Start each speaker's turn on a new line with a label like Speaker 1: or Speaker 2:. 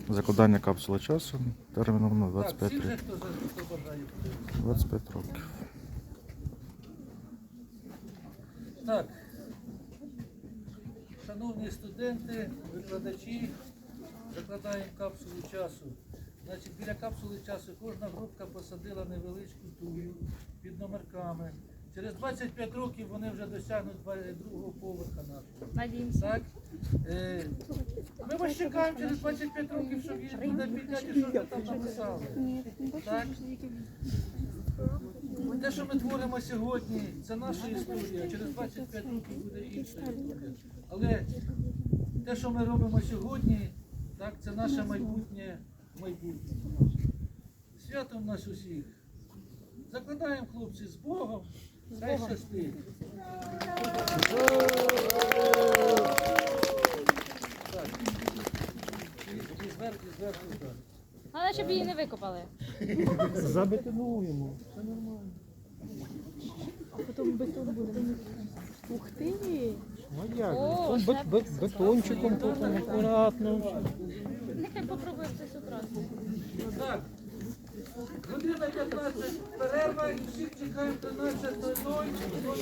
Speaker 1: Закладання капсули часу терміном на 25
Speaker 2: Так, всі вже,
Speaker 1: років.
Speaker 2: хто бажає.
Speaker 1: 25 років.
Speaker 2: Так, шановні студенти, викладачі, закладаємо капсулу часу. Значить, біля капсули часу кожна групка посадила невеличку тую під номерками. Через 25 років вони вже досягнуть другого поверха нашого.
Speaker 3: Надіємося.
Speaker 2: Так? Ми вас чекаємо через 25 років, щоб їх туди підняти, що ви там написали. Так? Те, що ми творимо сьогодні, це наша історія. Через 25 років буде інша історія. Але те, що ми робимо сьогодні, так, це наше майбутнє. Святом нас усіх. Закладаємо, хлопці, з Богом. Хай щастить. Так. І зверху, так.
Speaker 3: Але щоб її не викопали.
Speaker 4: Забетонуємо. Все нормально.
Speaker 5: А потім бетон буде. Ух ти!
Speaker 4: Ну як?
Speaker 3: О,
Speaker 4: Потім бетончиком, потім акуратно.
Speaker 3: Нехай попробує це з утра.
Speaker 2: Так. Година 15 перерва і всіх чекаємо 13:00.